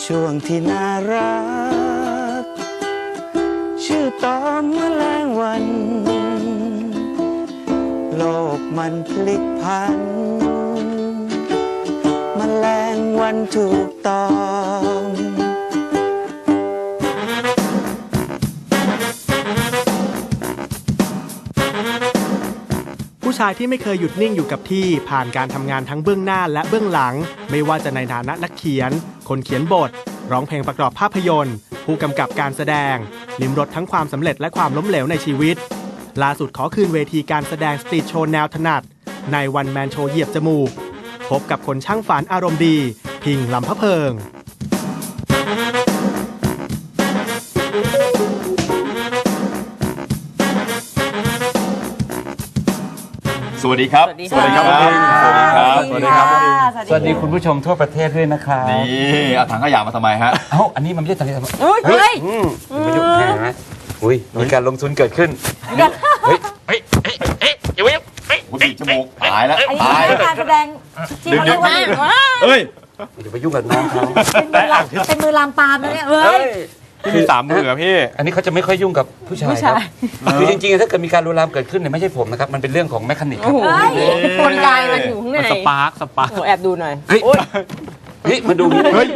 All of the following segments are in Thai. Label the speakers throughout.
Speaker 1: ช่วงที่น่ารักชื่อตอนแมลงวัน โลกมันพลิกพันแมลงวันถูกต้อง
Speaker 2: ผู้ชายที่ไม่เคยหยุดนิ่งอยู่กับที่ผ่านการทำงานทั้งเบื้องหน้าและเบื้องหลังไม่ว่าจะในฐานะนักเขียนคนเขียนบทร้องเพลงประกอบภาพยนตร์ผู้กำกับการแสดงลิ้มรสทั้งความสำเร็จและความล้มเหลวในชีวิตล่าสุดขอคืนเวทีการแสดงสตรีทโชว์แนวถนัดในวันแมนโชว์เหยียบจมูกพบกับคนช่างฝันอารมณ์ดีพิงลำพะเพิง
Speaker 3: สวัสดีครับ
Speaker 4: สวัสดีครับ
Speaker 3: สวัสดีครับ
Speaker 4: สวัสดีครับ
Speaker 1: สวัสดีคุณผู้ชมทั่วประเทศด้วยนะครับ
Speaker 3: นี่เอาถังขยะมาทำไมฮะ
Speaker 1: เอ้าอันนี้มันไม่ใช่สังเกต
Speaker 4: เฮ้ย
Speaker 1: ไม่ยุ่งแน่ไหมอุ้ยมีการลงทุนเกิดขึ้นเฮ้ยอย่าไปยุ่ง
Speaker 3: คุณบีบจมูกตายแล้ว
Speaker 4: อันนี้
Speaker 3: ตาย
Speaker 4: คือการแสดงที่เขาเรียกว่า
Speaker 3: เฮ้ย
Speaker 1: อย่าไปยุ่งกับน้องเขา
Speaker 4: เป็นมือลามปามนะเนี่ยเฮ้ย
Speaker 5: พี่มี3 มือพี่
Speaker 1: อันนี้เขาจะไม่ค่อยยุ่งกับผู้ชายครับคือจริงๆถ้าเกิดมีการลวนลามเกิดขึ้นเนี่ยไม่ใช่ผมนะครับมันเป็นเรื่องของแมคานิกครับ
Speaker 4: เฮ้ยกลไกมันอยู่ข้างใน
Speaker 5: มันสปาร์ค
Speaker 4: โอ้แอบดูหน่อย
Speaker 1: เฮ้ยมาดูนี่เฮ้ย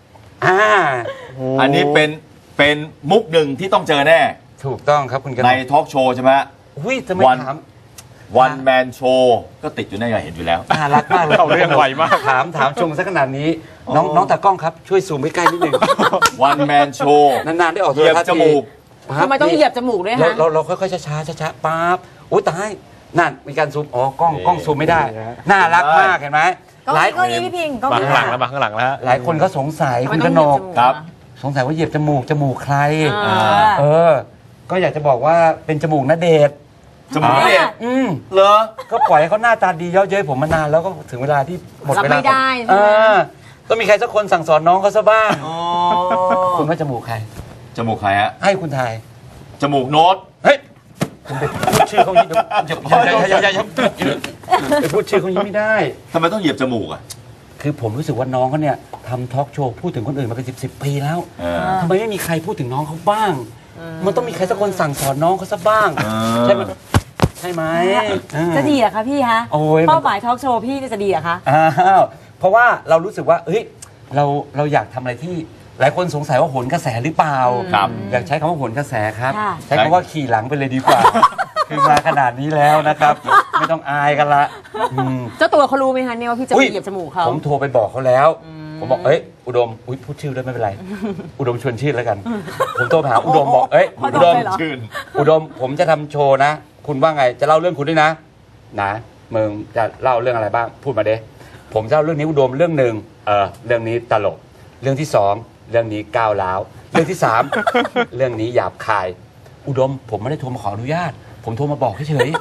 Speaker 3: อันนี้เป็นมุกหนึ่งที่ต้องเจอแน่
Speaker 1: ถูกต้องครับคุณกัน
Speaker 3: ในทอล์กโชว์ใช่ไหม
Speaker 1: อุ้ยทำไมถาม
Speaker 3: วันแมนโชว์ก็ติดอยู่ในเห็นอยู่แล้ว
Speaker 1: น่ารักมากเลย
Speaker 5: เข้าเรื่องไวมาก
Speaker 1: ถามชมซะขนาดนี้น้องตากล้องครับช่วยซูมใกล้ๆนิดนึง
Speaker 3: วันแมนโชว์
Speaker 1: นานๆได้ออก
Speaker 3: เหยียบ
Speaker 1: โทรทัศน์
Speaker 3: จมูก
Speaker 4: ทำไมต้องเหยียบจมูกด้วยฮะ
Speaker 1: เราค่อยๆช้าๆปั๊บโอ้ตายนั่นมีการซูมกล้องซูมไม่ได้ น่ารักมากเห็นไหม
Speaker 4: ก็นี้พี่พิงก็
Speaker 5: บาง
Speaker 4: นี้
Speaker 5: ข้างหลังแล้วบางข้างหลังแล้ว
Speaker 1: หลายคนก็สงสัยคุณกนก
Speaker 3: ครับ
Speaker 1: สงสัยว่าเหยียบจมูกใคร
Speaker 4: เออ
Speaker 1: ก็อยากจะบอกว่าเป็นจมูกณเดชน์
Speaker 3: จมูกเนี่ย เหรอ
Speaker 1: ก็ปล่อยให้เขาหน้าตาดีเย้าเย้ยผมมานานแล้วก็ถึงเวลาที่หมด
Speaker 4: รับ
Speaker 1: เวลา
Speaker 4: ไม่ได้ใช่
Speaker 1: เอ
Speaker 4: ไหม
Speaker 1: อก็มีใครสักคนสั่งสอนน้องเขาซะบ้าง
Speaker 3: อ๋อ
Speaker 1: คุณว่าจมูกใคร
Speaker 3: จมูกใครฮะ
Speaker 1: ให้คุณทาย
Speaker 3: จมูกโน้ต
Speaker 1: เฮ้ยคุณไปพูดชื่อเขาอย่างนี้ไปพูดชื่อเขาอย่างนี้ไม่ได้
Speaker 3: ทำไมต้องเหยียบจมูกอ่ะ
Speaker 1: คือผมรู้สึกว่าน้องเขาเนี่ยทำทอล์กโชว์พูดถึงคนอื่นมาเป็น10 ปีแล้ว
Speaker 3: เออ
Speaker 1: ทำไมไม่มีใครพูดถึงน้องเขาบ้าง มันต้องมีใครสักคนสั่งสอนน้องเขาซะบ้าง ใช่ไหมใช่ไหม
Speaker 4: จะดีเหรอคะพี่ฮะ
Speaker 1: โอ้ย
Speaker 4: เป้าหมายทอล์กโชว์พี่จะดีเหรอคะ
Speaker 1: อ้าวเพราะว่าเรารู้สึกว่าเฮ้ยเราอยากทำอะไรที่หลายคนสงสัยว่าโหนกระแสหรือเปล่า
Speaker 3: ครับ
Speaker 1: อยากใช้คำว่าโหนกระแสครับ
Speaker 4: ค่ะ
Speaker 1: ใช้คำว่าขี่หลังไปเลยดีกว่า คือมาขนาดนี้แล้วนะครับ ไม่ต้องอายกันละอืม
Speaker 4: เจ้าตัวเขารู้ไหมคะเนี่ยว่าพี่จะไปเหยียบจมูกเขา
Speaker 1: ผมโทรไปบอกเขาแล้ว ผมบอกเอ้ยอุดมพูดชื่อด้วยไม่เป็นไร อุดมชวนชื่อแล้วกัน ผมโทรไปหาอุดมบอกเอ้ย
Speaker 4: อุ
Speaker 1: อุ
Speaker 4: ด
Speaker 1: ด
Speaker 4: ม
Speaker 1: ม
Speaker 4: เลยเหรอ
Speaker 3: ชื่น
Speaker 1: อุดมผมจะทำโชว์นะ คุณว่าไงจะเล่าเรื่องคุณด้วยนะมึงจะเล่าเรื่องอะไรบ้างพูดมาเด้ผมจะเล่าเรื่องนี้อุดมเรื่องหนึ่งเรื่องนี้ตลกเรื่องที่สองเรื่องนี้ก้าวร้าวเรื่องที่สาม เรื่องนี้หยาบคาย อุดมผมไม่ได้โทรมาขออนุญาต ผมโทรมาบอกเฉย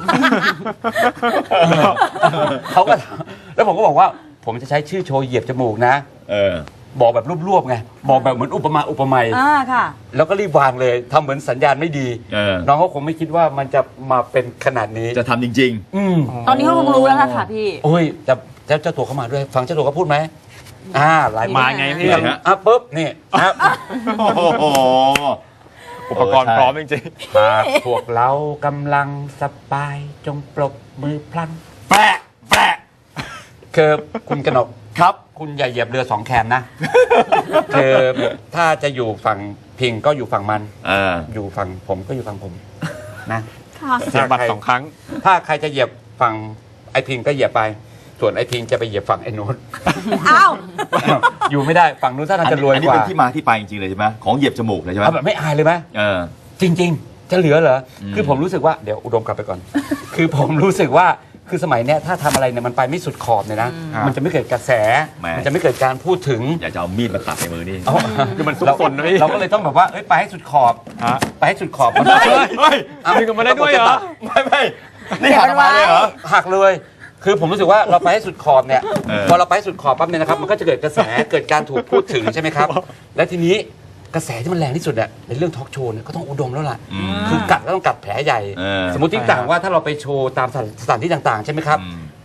Speaker 1: ๆ เขาก็แล้วผมก็บอกว่า ผมจะใช้ชื่อโชว์เหยียบจมูกนะ
Speaker 3: เออ
Speaker 1: บอกแบบรวบๆไงบอกแบบเหมือนอุปไมย
Speaker 4: ค่ะ
Speaker 1: แล้วก็รีบวางเลยทำเหมือนสัญญาณไม่ดี
Speaker 3: เออ
Speaker 1: น้องเขาคงไม่คิดว่ามันจะมาเป็นขนาดนี้
Speaker 3: จะทำจริง
Speaker 4: ตอนนี้เขาคงรู้แล้วค่ะพี่
Speaker 1: โอ้ยแต่เจ้าตัวเขามาด้วย ฟังเจ้าตัวเขาพูดไหมหลาย
Speaker 5: มาไงพี่
Speaker 3: ไหนฮะ
Speaker 1: ปุ๊บนี่ครับ
Speaker 3: ๆ โอ้โห
Speaker 5: อุปกรณ์พร้อมจริง
Speaker 1: หากพวกเรากำลังสบายจงปรบมือพลัน
Speaker 3: แปะแปะ
Speaker 1: คือคุณกนก
Speaker 3: ครับ
Speaker 1: คุณอย่าเหยียบเรือสองแคมนะ คือถ้าจะอยู่ฝั่งพิงก็อยู่ฝั่งมัน อยู่ฝั่งผมก็อยู่ฝั่งผมนะ
Speaker 5: ๆเสียบัตร2 ครั้ง
Speaker 1: ถ้าใครจะเหยียบฝั่งไอพิงก็เหยียบไป ส่วนไอพิงจะไปเหยียบฝั่งไอโน้ต
Speaker 4: อ้าว
Speaker 1: อยู่ไม่ได้ฝั่งนู้นถ้าทางจะรวย
Speaker 3: อันนี้
Speaker 1: กว่า
Speaker 3: เป็นที่มาที่ไปจริงๆเลยใช่ไหมของเหยียบจมูกเลยใช่ไหม
Speaker 1: เอาแบบไม่อายเลยไหม
Speaker 3: เออ
Speaker 1: จริง ๆ จะเหลือเหรอคือผมรู้สึกว่าเดี๋ยวอุดมกลับไปก่อน คือผมรู้สึกว่าคือสมัยเนี้ยถ้าทำอะไรเนี่ยมันไปไม่สุดขอบเนี่ยนะ มันจะไม่เกิดกระแส
Speaker 3: แหม
Speaker 1: มันจะไม่เกิดการพูดถึง
Speaker 3: อยากจะเอามีดมาตัดในมือนี่
Speaker 5: คือมันซุกซนนะพี่
Speaker 1: เราก็เลยต้องแบบว่าเอ้ยไปให้สุดขอบ
Speaker 5: ฮะ
Speaker 1: ไปให้สุดขอบ
Speaker 5: เฮ้ยมีกันมาได้ด้วยเหรอ
Speaker 3: ไม่นี่หักออกมาเลยเหรอ
Speaker 1: หักเลย คือผมรู้สึกว่าเราไปให้สุดขอบเนี่ย
Speaker 3: เออ
Speaker 1: พอเราไปให้สุดขอบปั๊บเนี่ยนะครับมันก็จะเกิดกระแสเกิดการถูกพูดถึงใช่ไหมครับ และทีนี้กระแสที่มันแรงที่สุดเนี่ยในเรื่องทอล์กโชว์เนี่ยก็ต้องอุดมแล้วล่ะ คือกัดก็ต้องกัดแผลใหญ่
Speaker 3: เออ
Speaker 1: สมมติที่ต่างว่าถ้าเราไปโชว์ตามสถานที่ต่างๆใช่ไหมครับ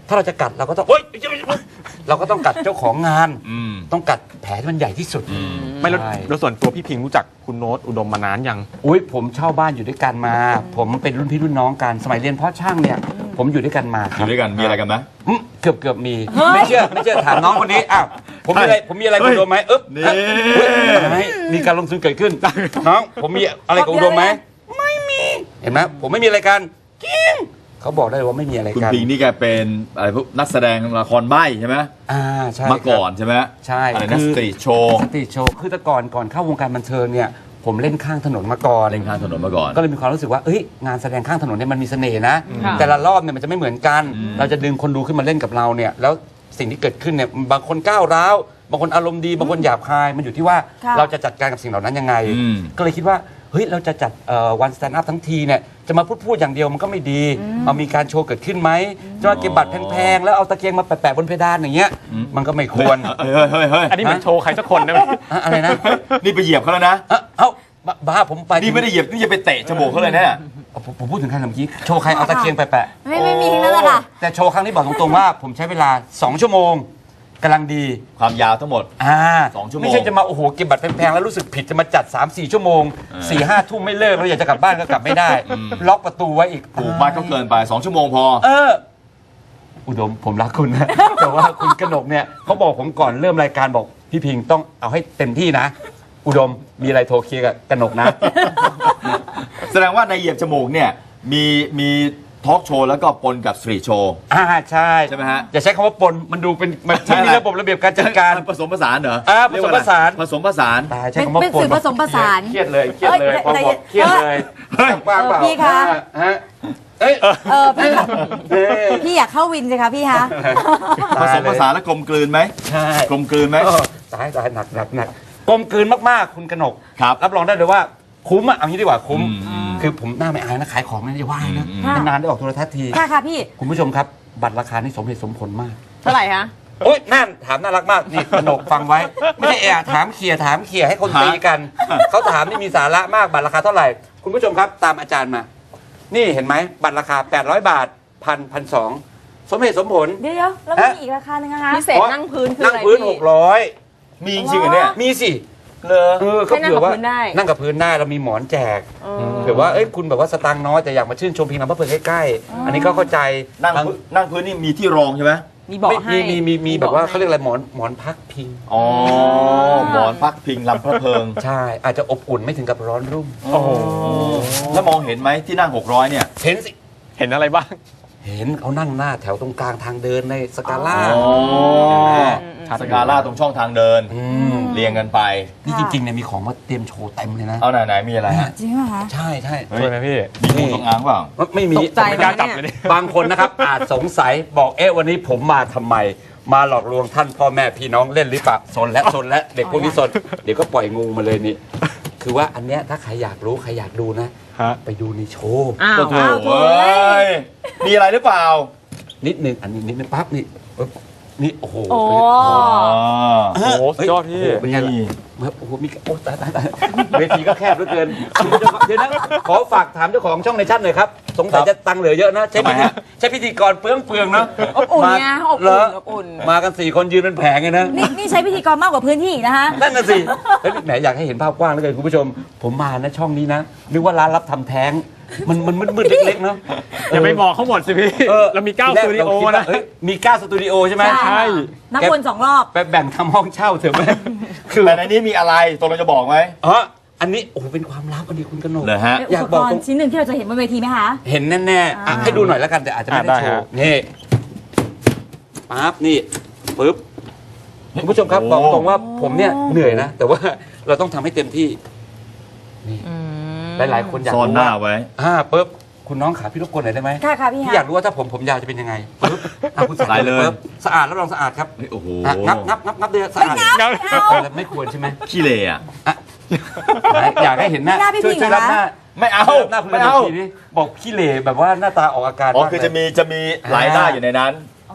Speaker 1: ถ้าเราจะกัดเราก็ต้องเราก็ต้องกัดเจ้าของงาน
Speaker 3: อืม
Speaker 1: ต้องกัดแผลที่มันใหญ่ที่สุด
Speaker 5: ไม่แล้ว
Speaker 1: ใช่
Speaker 5: แล้วส่วนตัวพี่พิงรู้จักคุณโน้ตอุดมมานานยัง
Speaker 1: อุ้ยผมเช่าบ้านอยู่ด้วยกันมา ผมเป็นรุ่นพี่รุ่นน้องกันสมัยเรียนเพาะช่างเนี่ยผมอยู่ด้วยกันมา
Speaker 3: อยู่ด้วยกันมีอะไรกันไหม
Speaker 1: เกือบมีไม่เชื่อถามน้องคนนี้อ้าวผมมีอะไรกับอุดมไหม
Speaker 3: นี่
Speaker 1: มีการลงทุนเกิดขึ้นน้องผมมีอะไรกับอุดมไหมไม่มีเห็นไหมผมไม่มีอะไรกันจริงเขาบอกได้ว่าไม่มีอะไร
Speaker 3: คุณ
Speaker 1: กัน
Speaker 3: ปิงนี่แกเป็นอะไรพวกนักแสดงละครใบ้ใช่ไหม
Speaker 1: ใช่
Speaker 3: มาก่อนใช่ไหม
Speaker 1: ใช่
Speaker 3: อะไรนะสตรีทโชว์
Speaker 1: สตรีทโชว์คือแต่ก่อนเข้าวงการบันเทิงเนี่ยผมเล่นข้างถนนมาก่อน
Speaker 3: เล่นข้างถนนมาก่อน
Speaker 1: ก็เลยมีความรู้สึกว่าเอ้ยงานแสดงข้างถนนเนี่ยมันมีเสน่ห์นะ
Speaker 4: ค่ะ
Speaker 1: แต่ละรอบเนี่ยมันจะไม่เหมือนกัน เราจะดึงคนดูขึ้นมาเล่นกับเราเนี่ยแล้วสิ่งที่เกิดขึ้นเนี่ยบางคนก้าวร้าวบางคนอารมณ์ดีบางคนหยาบคายมันอยู่ที่ว่า
Speaker 4: ค่ะ
Speaker 1: เราจะจัดการกับสิ่งเหล่านั้นยังไง ก็เลยคิดว่าเฮ้ยเราจะจัดวันสแตนด์อัพทั้งทีเนี่ยจะมาพูดอย่างเดียวมันก็ไม่ดีเอามีการโชว์เกิดขึ้นไหมจะมาเก็บบัตรแพงๆแล้วเอาตะเกียงมาแปะบนเพดานอย่างเงี้ยมันก็ไม่ควร
Speaker 3: เฮ้ย
Speaker 5: อันนี้เหมือนโชว์ใครสักคนได้ไหม
Speaker 1: อะไรนะ
Speaker 3: นี่ไปเหยียบเขาแล้วนะ
Speaker 1: เอ้าบ้าผมไป
Speaker 3: นี่ไม่ได้เหยียบนี่จะไปเตะจมูกเขาเลยเนี่ย
Speaker 1: ผมพูดถึงใครเมื่อกี้โชว์ใครเอาตะเกียงไปแปะ
Speaker 6: ไม่มีทั้งนั้นแหละค่ะ
Speaker 1: แต่โชว์ครั้งนี้บอกตรงๆว่าผมใช้เวลา2 ชั่วโมงกำลังดี
Speaker 3: ความยาวทั้งหมด 2 ชั่วโมง
Speaker 1: ไม่ใช่จะมาโอ้โหเก็บบัตรแพงๆแล้วรู้สึกผิดจะมาจัด 3-4 ชั่วโมง 4-5 ทุ่มไม่เลิกแล้วอยากจะกลับบ้านก็กลับไม่ได้ ล็อกประตูไว้อีก
Speaker 3: ผูกมัดก็เกินไป 2 ชั่วโมงพอ
Speaker 1: อุดมผมรักคุณนะ แต่ว่าคุณกนกเนี่ยเขาบอกผมก่อนเริ่มรายการบอกพี่พิงต้องเอาให้เต็มที่นะ อุดมมีอะไรโทรเคลียร์กับกนกนะ
Speaker 3: แสดงว่าในเหยียบจมูกเนี่ยมีทอล์กโชว์แล้วก็ปนกับสตรีทโชว์
Speaker 1: ใช่
Speaker 3: ใช่ไหมฮะ
Speaker 1: อย่าใช้คำว่าปนมันดูเป็นมัน
Speaker 3: ใช่
Speaker 1: ไม่มี
Speaker 3: อะไร
Speaker 1: ระบบระเบียบการจัดการ
Speaker 3: ผสมผสานเหรอ
Speaker 1: ผสมผสาน
Speaker 3: ผสมผสาน
Speaker 1: ตายใช้คำว่า
Speaker 6: เป็น
Speaker 1: ปน
Speaker 6: สื่อผสมผสาน
Speaker 1: เครียดเลยพอบอกเครียดเลย
Speaker 3: เฮ้ย
Speaker 1: ว่างเปล่า
Speaker 6: พี่คะ
Speaker 1: ฮะเอ้ย
Speaker 6: พี่
Speaker 1: เอ้ย
Speaker 6: พี่อยากเข้าวินสิคะพี่คะ
Speaker 3: ผสมผสานแล้วกลมกลืนไหม
Speaker 1: ใช่
Speaker 3: กลมกลืนไหม
Speaker 1: ตายหนักกลมกลืนมากๆคุณกนก
Speaker 3: ครับ
Speaker 1: รับรองได้เลยว่าคุ้มอ่ะเอางี้ดีกว่าคุ้ม
Speaker 3: อืม
Speaker 1: คือผมหน้าไม่อายนะขายของไม่ได้ว่านะ
Speaker 6: ค่ะ
Speaker 1: นานๆได้ออกโทรทัศน์ที
Speaker 6: ค่ะค่ะพี่
Speaker 1: คุณผู้ชมครับ บัตรราคานี่สมเหตุสมผลมาก
Speaker 4: เท่าไหร่คะ
Speaker 1: โอ๊ยนั่นถามน่ารักมากนี่กนกฟังไว้ ไม่ใช่ถามเขี่ยให้คนตีกัน เขาถามนี่มีสาระมากบัตรราคาเท่าไหร่ คุณผู้ชมครับตามอาจารย์มา นี่เห็นไหมบัตรราคา800 บาท1,200สมเหตุสมผล
Speaker 6: เดี๋ยวแล้วมีอีกราคาหนึ่งนะคะ
Speaker 4: พิเศษนั่งพื้นคือ
Speaker 1: นั่
Speaker 4: อะ
Speaker 1: ง
Speaker 4: ไร
Speaker 1: พื้น
Speaker 4: พี่
Speaker 1: 600
Speaker 3: มีจริงๆเหรอเนี่ย
Speaker 1: มีสิ
Speaker 3: เลอ
Speaker 1: เขา
Speaker 4: ให้นั่ง
Speaker 1: เผื่อว่า
Speaker 4: กับพื้นได้
Speaker 1: นั่งกับพื้นได้เรามีหมอนแจกเผื่อว่าเอ้ยคุณแบบว่าสตางค์น้อยแต่อยากมาชื่นชมพิงน้ำพระเพลิงใกล้ๆอันนี้ก็เข้าใจ
Speaker 3: นั่งพื้นนี่มีที่รองใช่ไหม
Speaker 4: มีบอกให้
Speaker 1: มีแบบว่าเขาเรียกอะไรหมอนพักพิง
Speaker 3: อ๋อหมอนพักพิงลำพระเพลิง
Speaker 1: ใช่อาจจะอบอุ่นไม่ถึงกับร้อนรุ่ม
Speaker 5: โอ้โห
Speaker 3: แล้วมองเห็นไหมที่นั่ง600เนี่ย
Speaker 1: เห็นสิ
Speaker 5: เห็นอะไรบ้าง
Speaker 1: เห็นเขานั่งหน้าแถวตรงกลางทางเดินในสกาล่า
Speaker 3: อ๋อ
Speaker 1: เห็นไหม
Speaker 3: สกาล่าตรงช่องทางเดิน
Speaker 1: ม
Speaker 3: เรียงกันไป
Speaker 1: นี่จริงๆเนี่ยมีของมาเตรียมโชว์เต็มเลยนะ
Speaker 3: เอาไหนๆมีอะไรฮะ
Speaker 6: จริงเหรอคะ
Speaker 1: ใช่
Speaker 3: เฮ้ย
Speaker 5: ช่วยไหมพี่
Speaker 3: มีงูจงอางเปล่า
Speaker 1: ไม่มี
Speaker 4: ตกใจ
Speaker 5: ไม่กล้าจับเลยดิ
Speaker 1: บางคนนะครับ อาจสงสัยบอกวันนี้ผมมาทำไม มาหลอกลวงท่านพ่อแม่พี่น้องเล่นหรือเปล่าซนและเด็กพวกนี้ซนเดี๋ยวก็ปล่อยงูมาเลยนี่ คือว่าอันเนี้ยถ้าใครอยากรู้ใครอยากดูนะ
Speaker 5: ฮะ
Speaker 1: ไปดูในโชว์
Speaker 4: อ้าว
Speaker 3: โอ้โหเฮ้ยมีอะไรหรือเปล่า
Speaker 1: นิดนึงอันนี้นิดนึงปั๊บนี่ปึ๊บนี่โอ้โห
Speaker 4: โอ้
Speaker 5: โอ้โหสุดยอดพี่
Speaker 1: โโหเป็นไงล่ะโอ้โหมีโอ้ตายเวทีก็แคบเหลือเกินเดี๋ยวนะขอฝากถามเจ้าของช่องในชั้นหน่อยครับสงสัยจะตังค์เหลือเยอะนะใช้พิธีกรเปลืองๆเนาะ
Speaker 4: อบอุ่นไงอบ
Speaker 1: เหร
Speaker 4: อุ่
Speaker 1: อน
Speaker 4: อบอุ่น
Speaker 1: มากัน4 คนยืนเป็นแผงเลยนะ
Speaker 6: นี่ใช้พิธีกรมากกว่าพื้นที่อีกนะคะ
Speaker 1: นั่นน่ะสิเฮ้ยแหมอยากให้เห็นภาพกว้างเหลือเกินคุณผู้ชม ผมมานะช่องนี้นะนึกว่าร้านรับทำแท้งมันมืดๆเล็กๆเนาะ
Speaker 5: อย่าไปบอกเขาหมดสิพี่เรามี9สตูดิโอนะ
Speaker 1: เฮ้ยมี9สตูดิโอใช่ไหม
Speaker 5: ใช่
Speaker 6: นับวน2 รอบ
Speaker 1: ไปแบ่งทำห้องเช่าเถอะแม่คือ
Speaker 3: แต่ในนี้มีอะไรตกลงจะบอกไหม
Speaker 1: อ๋ออันนี้โอ้โหเป็นความลับอันนี้คุณกนก
Speaker 3: เหรอฮะ
Speaker 1: อยากบอก
Speaker 6: อุปกรณ์ชิ้นหนึ่งที่เราจะเห็นบนเวทีไหมคะ
Speaker 1: เห็นแน่ๆอ่ะให้ดูหน่อยแล้วกันแต่อาจจะไม่ได้โชว์นี่ปั๊บนี่ปึ๊บคุณผู้ชมครับ
Speaker 3: โอ้
Speaker 1: บอกตรงว่าผมเนี่ยเหนื่อยนะ แต่ว่าเราต้องทำให้เต็มที่นี่หลายๆคนอยาก
Speaker 3: ซ่อน
Speaker 1: รู้
Speaker 3: หน้า
Speaker 1: ว่า
Speaker 3: ไว้
Speaker 1: ปึ๊บคุณน้องขาพี่รบกวนหน่อยได้ไหม
Speaker 6: ค่ะพี่
Speaker 1: พี่
Speaker 6: ฮะ
Speaker 1: อยากรู้ว่าถ้าผมยาวจะเป็นยังไงปึ๊บอ่ะคุณ
Speaker 3: ใส่เลย
Speaker 1: ปึ๊บสะอาดรับรองสะอาดครับ
Speaker 3: เฮ้ยโอ้โห
Speaker 1: อ่ะงับเลยสะอาดแล้วไม่ควรใช่ไหม
Speaker 3: ขี้เหร่อะ
Speaker 1: อยากให้เห็นหน้า
Speaker 6: หน้าพี่
Speaker 1: ช่วย
Speaker 6: พิงเหรอ
Speaker 1: รับหน้า
Speaker 3: ไม่เอา
Speaker 1: หน้าคุณ
Speaker 3: ไม่เอา
Speaker 1: ทีนี้บอกขี้เหร่แบบว่าหน้าตาออกอาการ
Speaker 3: อ๋อ
Speaker 1: มาก
Speaker 3: คือ
Speaker 1: เลย
Speaker 3: จะมีหลายหน้าอยู่ในนั้น
Speaker 6: โอ้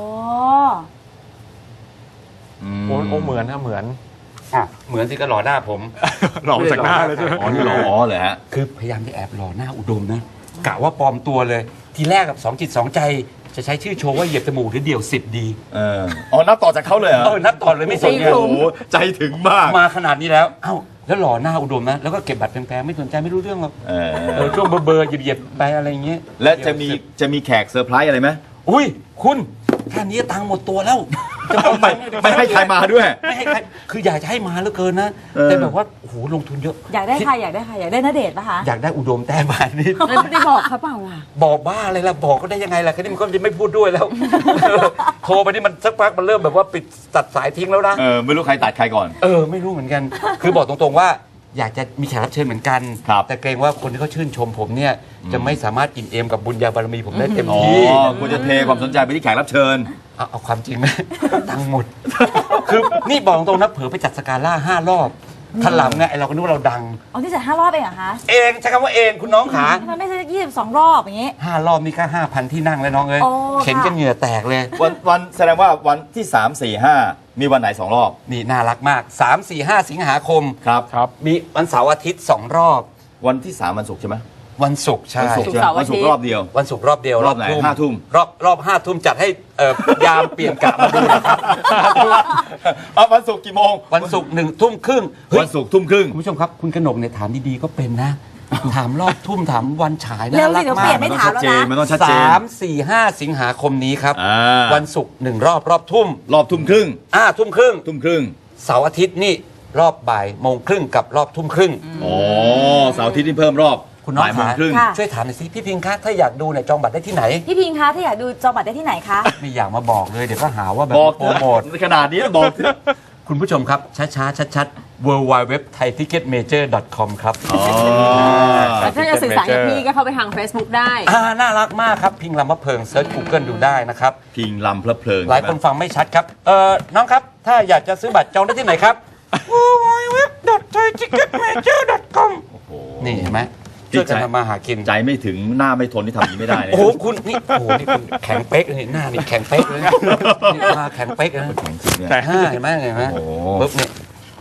Speaker 5: โอ้เหมือนนะเหมือน
Speaker 1: อ่ะเหมือนสิก็หล่อหน้าผม
Speaker 5: หลอกจากหน้าเลยใช่ไหม
Speaker 3: อ๋อนี่เหรออ๋อเหรอฮะ
Speaker 1: คือพยายามจะแอบหล่อหน้าอุดมนะกะว่าปลอมตัวเลย ทีแรกกับสองจิตสองใจจะใช้ชื่อโชว์ว่าเหยียบจมูกหรือเดี่ยว10ดี
Speaker 3: อ๋อนับต่อจากเขาเลยเหรอ
Speaker 1: นับต่อเลยไม่สนไง
Speaker 3: โอ้โหใจถึงมาก
Speaker 1: มาขนาดนี้แล้วเอ้าแล้วหล่อหน้าอุดมนะแล้วก็เก็บบัตรแพงๆไม่สนใจไม่รู้เรื่องหรอกช่วงเบอร์เหยียบๆไปอะไรอย่างเงี้ย
Speaker 3: และจะมีแขกเซอร์ไพรส์อะไรไหม
Speaker 1: อุ้ยคุณแค่นี้ตังค์หมดตัวแล้วจะ
Speaker 3: ไม่ให้ใครมาด้วย
Speaker 1: ไม่ให้ใครคืออยากจะให้มาเหลือเกินนะแต่แบบว่าโอ้โหลงทุนเยอะ
Speaker 6: อยากได้ใครอยากได้ใครอยากได้ณเดชน์ปะคะ
Speaker 1: อยากได้อุดมแต่บานนี่
Speaker 4: แล้วไม่ได้บอกเขาเปล่าล่ะ
Speaker 1: บอกบ้าอะไรล่ะบอกก็ได้ยังไงล่ะแค่นี้มันก็จะไม่พูดด้วยแล้ว โทรไปนี่มันสักพักมันเริ่มแบบว่าปิดตัดสายทิ้งแล้วนะ
Speaker 3: ไม่รู้ใครตัดใครก่อน
Speaker 1: ไม่รู้เหมือนกัน คือบอกตรงๆว่าอยากจะมีแขกรับเชิญเหมือนกัน
Speaker 3: ครับ
Speaker 1: แต่เกรงว่าคนที่เขาชื่นชมผมเนี่ยจะไม่สามารถอิ่มเอมกับบุญญาบารมีผมได้เต็ม
Speaker 3: อ๋อ
Speaker 1: ที่
Speaker 3: คุณจะเทความสนใจไปที่แขกรับเชิญ
Speaker 1: เอาความจริงไหม ตังค์หมด คือนี่บอกตรงนะเผลอไปจัดสกาล่า5 รอบถลำไงไอเราก็นึกว่าเราดัง
Speaker 6: เอาที่จัด5 รอบเองเหรอคะ
Speaker 1: เองใช้คำว่าเองคุณน้องขา
Speaker 6: ทำไมไม่ใช่22 รอบอย่างงี้
Speaker 1: 5 รอบนี่ก็ 5,000 ที่นั่งเลยน้องเอ้ย
Speaker 6: โอ้
Speaker 1: เข็น
Speaker 6: ค่ะ
Speaker 1: กันเหงื่อแตกเลย
Speaker 3: วันแสดงว่าวันที่ 3 4 5 มีวันไหน 2 รอบ
Speaker 1: นี่น่ารักมาก 3 4 5 สิงหาคม
Speaker 3: ครับ
Speaker 1: มีวันเสาร์อาทิตย์2 รอบ
Speaker 3: วันที่ 3 วันศุกร์ใช่ไหม
Speaker 1: วันศุกร์ใช่
Speaker 3: วันศุกร์ใช่ไหม
Speaker 4: ศุกร์เสาร์
Speaker 3: วันศุก
Speaker 4: อาทิ
Speaker 3: ร์
Speaker 4: ตย์
Speaker 3: รอบเดียว
Speaker 1: วันศุกร์รอบเดียว
Speaker 3: รอบไหน5 ทุ่ม
Speaker 1: รอบ5 ทุ่มจัดให้ยามเปลี่ยนกะมาดูนะครับ
Speaker 3: วันศุกร์กี่โมง
Speaker 1: วันศุกร์1 ทุ่มครึ่งเฮ้ย
Speaker 3: วันศุกร์ทุ่มครึ่ง
Speaker 1: คุณผู้ชมครับ คุณกนกเนี่ยถามดีๆก็เป็นนะ ถามรอบทุ่มถามวันฉาย
Speaker 6: เร็
Speaker 1: น่าว รั
Speaker 6: สิ
Speaker 1: ก
Speaker 6: เดี๋ยว
Speaker 1: มา
Speaker 6: เปลี่ย
Speaker 1: ก
Speaker 6: นไม่ถามแล้วนะ
Speaker 3: มันต้องชัดเจน
Speaker 1: 3 4 5 สิงหาคมนี้ครับ
Speaker 3: อ่า
Speaker 1: วันศุกร์1 รอบทุ่ม
Speaker 3: รอบทุ่มครึ่ง
Speaker 1: ทุ่มครึ่ง
Speaker 3: ทุ่มครึ่ง
Speaker 1: เสาร์อาทิตย์นี่รอบบ่ายโมงครึ่งกับรอบทุ่มครึ่ง
Speaker 3: อ๋อเสาร์อาทิตย์นี่เพิ่มรอบ
Speaker 1: คุณน้อง
Speaker 3: บ่ายโมง
Speaker 1: ขา
Speaker 3: ครึ่ง
Speaker 6: ค่ะ
Speaker 1: ช่วยถามหน่อยสิพี่พิงค์คะถ้าอยากดูเนี่ยจองบัตรได้ที่ไหน
Speaker 6: พี่พิงค์คะถ้าอยากดูจองบัตรได้ที่ไหนคะ
Speaker 1: ไม่อยากมาบอกเลยเดี๋ยวก็หาว่าแบบ
Speaker 3: บอก
Speaker 1: โปรโมท
Speaker 3: ขนาดนี้บอกเถอะ
Speaker 1: คุณผู้ชมครับช้าๆชัดๆ www.thaiticketmajor.com ครับ
Speaker 4: แต่ถ้าจะสื่อสารกับพี่ก็เข้าไปทาง Facebook ได้
Speaker 1: น่ารักมากครับ พิงลำมะเพิงเซิร์ช Google ดูได้นะครับ
Speaker 3: พิงลำเพลิดเพลิน
Speaker 1: หลายคนฟังไม่ชัดครับ น้องครับ ถ้าอยากจะซื้อบัตรจองได้ที่ไหนครับ www.thaiticketmajor.com นี่เห็นไหมช่วยกันทำมาหากิน
Speaker 3: ใจไม่ถึงหน้าไม่ทนที่ทำอย่างนี้ไม่ได้เลย
Speaker 1: โอ้โหคุณนี่โอ้โหนี่คุณแข็งเป๊กเลยนี่หน้านี่แข็งเป๊กเลยนะนี่มาแข็งเป๊กเลยนะ
Speaker 3: ของจริงเนี่ย
Speaker 1: เห็นไหมเห็นไหม
Speaker 3: โอ้โห
Speaker 1: ปุ๊บเนี่ย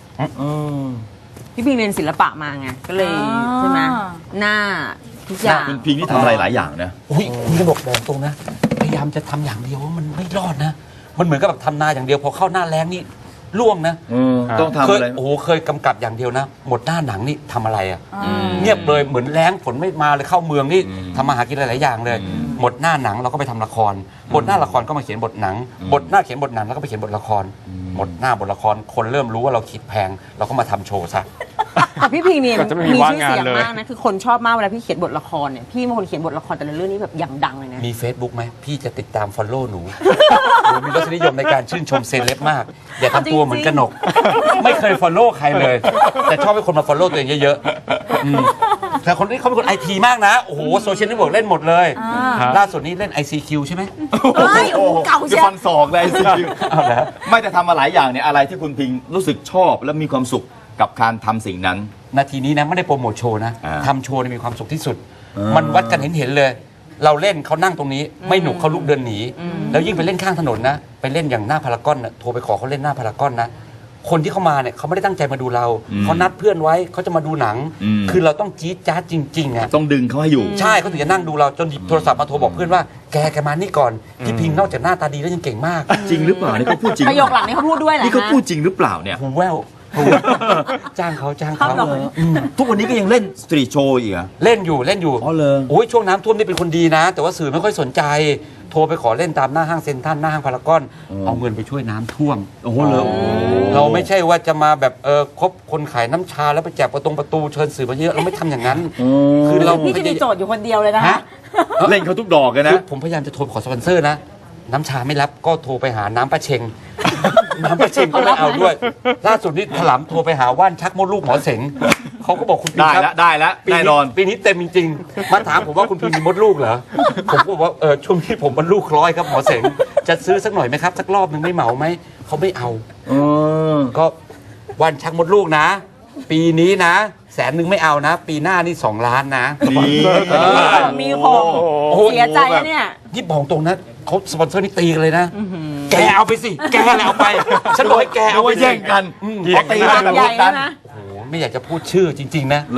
Speaker 4: พี่พิงเรียนศิลปะมาไง ก็เลย
Speaker 6: อ่า
Speaker 4: ใช่ไหมหน้าทุกอย่าง
Speaker 3: คุณพิงนี่ทำอะไรหลายอย่างนะ
Speaker 1: อุ้ยคุณจะบอกตรงนะ พยายามจะทำอย่างเดียวมันไม่รอดนะ มันเหมือนกับแบบทำนาอย่างเดียวพอเข้าหน้าแล้งนี่ล่วงนะ
Speaker 3: ต้องทำ
Speaker 1: เคย
Speaker 3: อะไร
Speaker 1: โอ้โหเคยกำกับอย่างเดียวนะ หมดหน้าหนังนี่ทำอะไรอ่ะเงียบเลยเหมือนแล้งฝนไม่มาเลยเข้าเมืองนี่ทำมาหากินหลายๆอย่างเลย หมดหน้าหนังเราก็ไปทำละครหมดหน้าละครก็มาเขียนบทหนังบทหน้าเขียนบทหนังแล้วก็ไปเขียนบทละครหมดหน้าบทละครคนเริ่มรู้ว่าเราคิดแพงเราก็มาทำโชว์ซะ
Speaker 4: แต่พี่พิงเนี่ย
Speaker 5: ก็จะไม่มี
Speaker 4: มี
Speaker 5: ว่าง
Speaker 4: ชื่อ
Speaker 5: งาน
Speaker 4: เสียง
Speaker 5: เลย
Speaker 4: มากนะ คือคนชอบมากเวลาพี่เขียนบทละครเนี่ย พี่เป็นคนเขียนบทละครแต่ละเรื่องนี้แบบอย่างดังเลยนะ
Speaker 1: มี Facebook ไหมพี่จะติดตาม Follow หนู หนูมีรสนิยมในการชื่นชมเซเลบมาก อย่าทำตัวเหมือนกนก ไม่เคย Follow ใครเลย แต่ชอบให้คนมา Follow ตัวเองเยอะๆแต่คนนี้เขาเป็นคนไอทีมากนะ โอ้โหโซเชียลเน็ตเวิร์กเล่นหมดเลย ล่าสุดนี้เล่น ICQ ใช่ไหม
Speaker 6: เฮ้ยโอ้โหเก่าเชียว
Speaker 3: ฟันศอกเลยสิ
Speaker 1: เอาแล้ว
Speaker 3: ไม่แต่ทำมาหลายอย่างเนี่ยอะไรที่คุณพิงรู้สึกชอบและมีความสุขกับการทำสิ่งนั้น
Speaker 1: นาทีนี้นะไม่ได้โปรโมทโชว์นะ
Speaker 3: อ่า
Speaker 1: ทำโชว์เนี่ยมีความสุขที่สุด มันวัดกันเห็นเลย เราเล่นเขานั่งตรงนี้ ไม่หนุกเขาลุกเดินหนี แล้วยิ่งไปเล่นข้างถนนนะ ไปเล่นอย่างหน้าพารากอนนะโทรไปขอเขาเล่นหน้าพารากอนนะ คนที่เขามาเนี่ยเขาไม่ได้ตั้งใจมาดูเรา เขานัดเพื่อนไว้เขาจะมาดูหนัง คือเราต้องจี๊ดจ๊าดจริงๆอ่ะ
Speaker 3: ต้องดึงเขาให้อยู่
Speaker 1: ใช่เขาถึงจะนั่งดูเราจนหยิบโทรศัพท์มาโทรบอกเพื่อนว่าแกมานี่ก่อนพี่พิงนอกจากหน้าตาดีแล้วยังเก่งมาก
Speaker 3: จริงหรือเปล่านี่เขาพูดจริง
Speaker 4: ประโยคหลังนี้เขาพูดด้วยเหรอ
Speaker 3: นี่เขา
Speaker 4: ฮะ
Speaker 3: พูดจริงหรือเปล่าเนี่ย
Speaker 1: หูแววหูจ้างเขาจ้างเขา
Speaker 3: ทุกวันนี้ก็ยังเล่นสตรีทโชว์อีกเหรอ
Speaker 1: เล่นอยู่
Speaker 3: อ๋อเลย
Speaker 1: โอ้ยช่วงน้ำท่วมนี่เป็นคนดีนะ แต่ว่าสื่อไม่ค่อยสนใจ โทรไปขอเล่นตามหน้าห้างเซ็นทรัลหน้าห้างพารากอนเอาเงินไปช่วยน้ำท่วม
Speaker 3: โอ้โหเลย
Speaker 1: เราไม่ใช่ว่าจะมาแบบคบคนขายน้ำชาแล้วไปแจกประตูเชิญสื่อมาเยอะเราไม่ทำอย่างนั้น คือเรา
Speaker 6: พี่จะมีโจทย์อยู่คนเดียวเลยนะ
Speaker 1: ฮะ
Speaker 3: เล่นเขาทุกดอกเลย
Speaker 1: คื
Speaker 3: นะ
Speaker 1: อผมพยายามจะโทรขอสปอนเซอร์นะ น้ำชาไม่รับก็โทรไปหาน้ำปลาเชง น้ำปลาเชงก็ไม่เอาด้วย ล่าสุดนี้ถลำโทรไปหาว่านชักมดลูกหมอเสงเขาก็บอกคุณพิม
Speaker 3: ได้
Speaker 1: ครับ
Speaker 3: แล้วได้แล้ว
Speaker 1: ปี
Speaker 3: แน่นอน
Speaker 1: ปีนี้เต็มจริงๆ มาถามผมว่าคุณพิมมีมดลูกเหรอ ผมก็บอกว่าช่วงนี้ผมมันลูกร้อยครับหมอเสงจะซื้อสักหน่อยไหมครับ สักรอบหนึ่งไม่เหมาไหมเขาไม่เอา ก็วันชักมดลูกนะ ปีนี้นะ100,000ไม่เอานะ ปีหน้านี่2 ล้านนะ
Speaker 3: นี่
Speaker 6: มีหก
Speaker 1: โอ้โห
Speaker 6: เสียใจนะเนี่ย
Speaker 1: นี่บอกตรงนะเขาสปอนเซอร์นี่ตีกันเลยนะ แกเอาไปสิ แกแหละเอาไป ฉันบอกให้แกเอาไป
Speaker 3: เอาไว้แย่งกัน
Speaker 1: พอตี
Speaker 3: แย่งกั
Speaker 1: กัน น
Speaker 4: ใหญ่นะ
Speaker 1: โอ้โหไม่อยากจะพูดชื่อจริง ๆ นะ
Speaker 3: เหรอ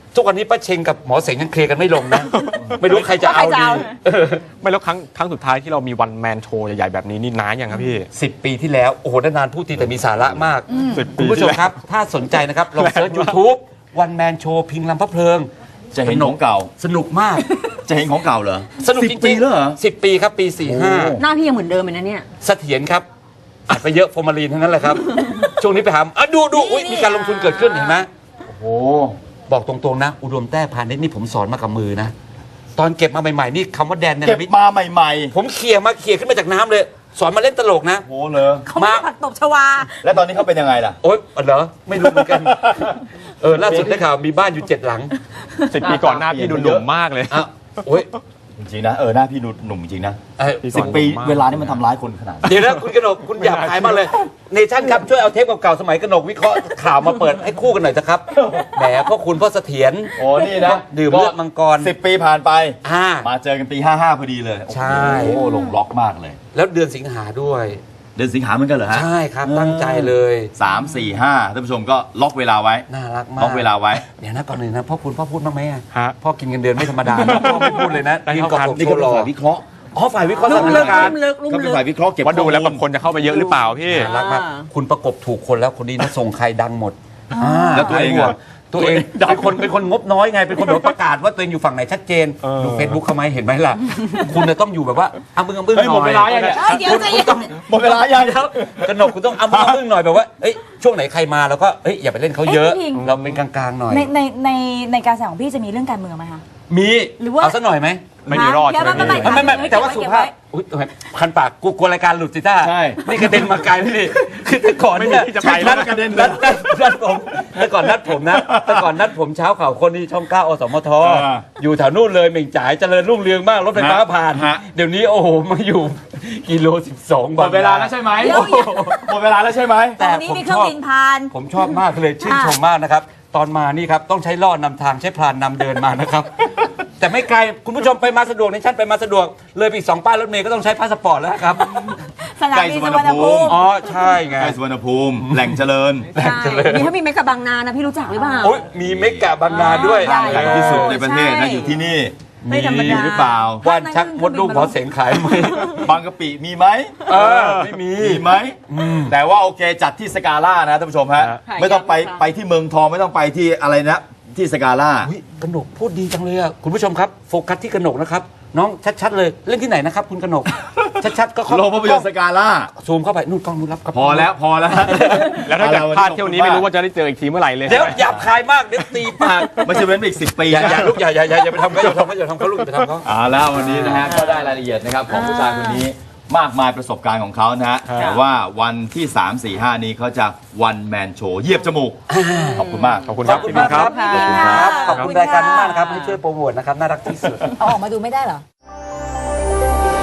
Speaker 1: ทุกวันนี้ป้าเชงกับหมอเสงยังเคลียร์กันไม่ลงนะ ไม่รู้ใครจะเอา
Speaker 6: ใครจะ
Speaker 1: ดี
Speaker 6: เอา
Speaker 5: ไม่แล้วครั้งสุดท้ายที่เรามีวันแมนโชว์ใหญ่ๆแบบนี้นี่นานยังครับพี่
Speaker 1: 10 ปีที่แล้วโอ้โหนานๆพูดทีแต่มีสาระมาก
Speaker 5: 10
Speaker 1: คุณผู้ชมครับ ถ้าสนใจนะครับลองเซิร์ช YouTube วันแมนโชว์พิงลำพะเพลิง
Speaker 3: จะเห็นของเก่า
Speaker 1: สนุกมาก
Speaker 3: จะเห็นของเก่าเหรอ
Speaker 1: สนุกจ
Speaker 3: 10 ปี
Speaker 1: ริง
Speaker 3: แล้วเหรอ
Speaker 1: 10 ปีครับปี
Speaker 4: หน้าพี่ยังเหมือนเดิมเลยนะเนี่ย
Speaker 1: 45เสถียรครับอัดไปเยอะฟอร์มาลีนทั้งนั้นแหละครับ ช่วงนี้ไปหาดูอุ๊ยมีการลงทุนเกิดขึ้นเห็นไหม
Speaker 3: โอ้โห
Speaker 1: บอกตรงๆนะ อุดมแต้พาณิชย์นี่ผมสอนมากับมือนะ ตอนเก็บมาใหม่ๆนี่คำว่าแดนเน
Speaker 3: เก็บ
Speaker 1: รมิต
Speaker 3: มาใหม่
Speaker 1: ผมเขี่ยขึ้นมาจากน้ำเลย สอนมาเล่นตลกนะ
Speaker 3: ๆโอ้เลย
Speaker 6: เขาไม่ได้ผักตบชวา
Speaker 3: แล้วตอนนี้เขาเป็นยังไงล่ะ
Speaker 1: โอ๊ยเหรอไม่รู้เหมือนกันล่าสุดได้ข่าวมีบ้านอยู่7 หลัง
Speaker 5: 10 ปีก่อนหน้าพี่ดูหนุ่มมากเลย
Speaker 1: อ่ะโอ๊ย
Speaker 3: จริงๆนะหน้าพี่หนุ่มจริงนะ
Speaker 5: พี่ก่อน
Speaker 3: 10 ปี
Speaker 5: หนุ่มมาก
Speaker 3: เวลานี่มันทำร้ายคนขนาดนั้น
Speaker 1: เดี๋ยวนะคุณกนกคุณหยาบคายมากเลยเนชั่นครับช่วยเอาเทปเก่าๆสมัยกนกวิเคราะห์ข่าวมาเปิดให้คู่กันหน่อยนะครับ แหมพ่อคุณพ่อเสถียร
Speaker 3: โอ้นี่นะ
Speaker 1: ดื่มเลือดมังกร
Speaker 3: 10 ปีผ่านไป
Speaker 1: อ่า
Speaker 3: มาเจอกันปี 55 พอดีเลย
Speaker 1: ใช่
Speaker 3: โอ้โหลงล็อกมากเลย
Speaker 1: แล้วเดือนสิงหาด้วย
Speaker 3: เดือนสิงหาเหมือนกันเหรอฮะ
Speaker 1: ใช่ครับตั้งใจเลย
Speaker 3: 3 4 5ท่านผู้ชมก็ล็อกเวลาไว้
Speaker 1: น่ารักมาก
Speaker 3: ล็อกเวลาไว้
Speaker 1: เดี๋ยวนะก่อนหนึ่งนะพ่อคุณพ่อพูดบ้างไหมอะ
Speaker 5: ฮะ
Speaker 1: พ่อกินเงินเดือนไม่ธรรมดานะพ่อไม่พูดเลยนะ
Speaker 5: ได้
Speaker 1: ยืน
Speaker 5: เข้า
Speaker 1: เกาะ
Speaker 5: คัน
Speaker 1: อก
Speaker 3: นี่
Speaker 1: โช
Speaker 3: ก็
Speaker 1: ว์
Speaker 3: เป็น
Speaker 1: รอ
Speaker 3: ฝ่ายวิเคราะห์
Speaker 1: อ๋อฝ่ายวิเคราะห์ส
Speaker 6: ลุ่ม
Speaker 1: ถาน
Speaker 6: ลึก
Speaker 1: การ
Speaker 6: ลุ่
Speaker 1: ณ์
Speaker 6: มลึกลุ่ม
Speaker 3: ก็เป็
Speaker 6: ลึ
Speaker 3: น
Speaker 6: ก
Speaker 3: ฝ่ายวิเคราะห์เก็บ
Speaker 5: ว่าดูแล้ว
Speaker 3: ข้
Speaker 5: แบ
Speaker 3: อมู
Speaker 5: บคนจะเข้าไปเยอะหรือเปล่าพี่
Speaker 1: น่ารักมากคุณประกบถูกคนแล้วคนนี้นะส่งใครดังหมด
Speaker 3: แล้วตัวเองอะ
Speaker 1: ตัวเองเป็นคนงบน้อยไงเป็นคนแบบประกาศว่าตัวเองอยู่ฝั่งไหนชัดเจน
Speaker 5: เออ
Speaker 1: ดูเฟซบุ๊กเขาไหมเห็นไหมล่ะ คุณจะต้องอยู่แบบว่าอ้ำบึ้งหน่อย
Speaker 3: เฮ้ยหมดเวลายังเนี่ย
Speaker 6: เดี๋ยวใจเย็น
Speaker 3: หมดเวลายัง
Speaker 1: กนกคุณต้องอ้ำบึ้งหน่อยแบบว่าเอ้ยช่วงไหนใครมาแล้วก็เอ้ยอย่าไปเล่นเขาเยอะ
Speaker 7: เอ้ยพี่พิง
Speaker 1: เราเป็นกลางๆหน่อย
Speaker 7: ในการแสดงของพี่จะมีเรื่องการเมืองไหมคะ
Speaker 1: มี
Speaker 7: หรือว่า
Speaker 1: เอาสักหน่อยไหม
Speaker 5: ไม่มีรอดใช่ไหม
Speaker 7: ไม่
Speaker 5: พี่
Speaker 1: ไม่แต่ว่าสุภาพอุ๊ยคันปากกูกลัวรายการหลุดสิท่า
Speaker 3: ใช่
Speaker 1: นี่กระเด็นมาไกลเลยนี่คือแต่ก่อนเนี่ย
Speaker 5: ไม่มีที่จะไปแล้ว
Speaker 3: กระเด็น
Speaker 1: นัดผมแต่ก่อนนัดผมนะแต่ก่อนนัดผมเช้าข่าวคนที่ช่อง 9 อสมท อยู่แถวนู่นเลยเหม่งจ่ายเจริญรุ่งเรืองมากรถไฟฟ้าผ่าน
Speaker 3: ฮะ
Speaker 1: เดี๋ยวนี้โอ้โหมาอยู่กิโล 12
Speaker 3: หมดเวลาแล้วใช่ไหม
Speaker 7: เดี๋ยว
Speaker 3: หมดเวลาแล้วใช่ไหม
Speaker 1: แต่
Speaker 7: วันนี้
Speaker 1: ผม
Speaker 7: มีเครื่
Speaker 1: ช
Speaker 7: อง
Speaker 1: อบ
Speaker 7: บินผ่าน
Speaker 1: ผมชอบมากเลยชื่นชมมากนะครับ ตอนมานี่ครับต้องใช้ล่อนำทางใช้พรานนำเดินมานะครับ แต่ไม่ไกลคุณผู้ชมไปมาสะดวกในชั้นไปมาสะดวก เลยไปอีก2 ป้ายรถเมล์ก็ต้องใช้พาสปอร์ตแล้วครับ
Speaker 7: สนามบินสุวรรณภูมิ
Speaker 1: อ๋อใช่ไง
Speaker 3: ใกล้สุวรรณภูมิ แหล่งเจริญ
Speaker 4: ใช่มีถ้ามีเมกะบางนานะพี่รู้จักหรือเปล่า
Speaker 1: โอ้ยมีเมกะบางนาด้วย
Speaker 7: ใหญ่
Speaker 3: ใหญ่ที่สุดในประเทศ
Speaker 7: ใช่
Speaker 3: นะอยู่ที่นี่
Speaker 4: ไม่ธรรมดา
Speaker 3: หรือเปล่า
Speaker 1: ว่านชักมดลูกหมอเสงขายไหม
Speaker 3: บางกะปิมีไหม
Speaker 1: ไม่มี
Speaker 3: มีไหมแต่ว่าโอเคจัดที่สกาล่านะท่านผู้ชมฮะ
Speaker 4: ค่ะ
Speaker 3: ไม่ต้องไป
Speaker 4: ย้ำค่ะ
Speaker 3: ไปที่เมืองทองไม่ต้องไปที่อะไรนะที่สกาล่า
Speaker 1: อุ๊ยกนกพูดดีจังเลยอ่ะคุณผู้ชมครับโฟกัสที่กนกนะครับน้องชัดๆเลยเล่นที่ไหนนะครับคุณกนก ชัดๆก็เข้า
Speaker 3: โรงภาพยนตร์สกาล่า
Speaker 1: ซูมเข้าไปนู่นกล้องนู่นรับครับ
Speaker 3: พอแล้วพอแล้ว
Speaker 5: แล้วถ้าเกิดพลาดเที่ยวนี้ไม่รู้ว่าจะได้เจออีกทีเมื่อไหร่เลย
Speaker 1: เดี๋ยวหยาบคายมากเดี๋ยวตีปาก
Speaker 3: ไม่ใช่เว้นไปอีก10 ปี
Speaker 1: อย่า
Speaker 3: นะ
Speaker 1: อย่าลูกอย่าไปทำเขาอย่าทำเขาลูกอย่าไปทำเขา
Speaker 3: เอาแล้ววันนี้นะฮะก็ได้รายละเอียดนะครับของผู้ชายคนนี้มากมายประสบการณ์ของเขานะฮะแต่ว่าวันที่ 3 4 5 นี้เขาจะวันแมนโชว์เหยียบจมูก ขอบคุณมาก
Speaker 5: ขอบคุณ
Speaker 1: ข
Speaker 5: ค
Speaker 1: อ
Speaker 5: รั
Speaker 1: บบ คุณมากครับ
Speaker 7: ขอบคุณครับ
Speaker 1: ขอบคุณรายการมากนะครับให้ช่วยโปรโมทนะครับน่ารักที่สุด
Speaker 7: เอาออกมาดูไม่ได้เหรอ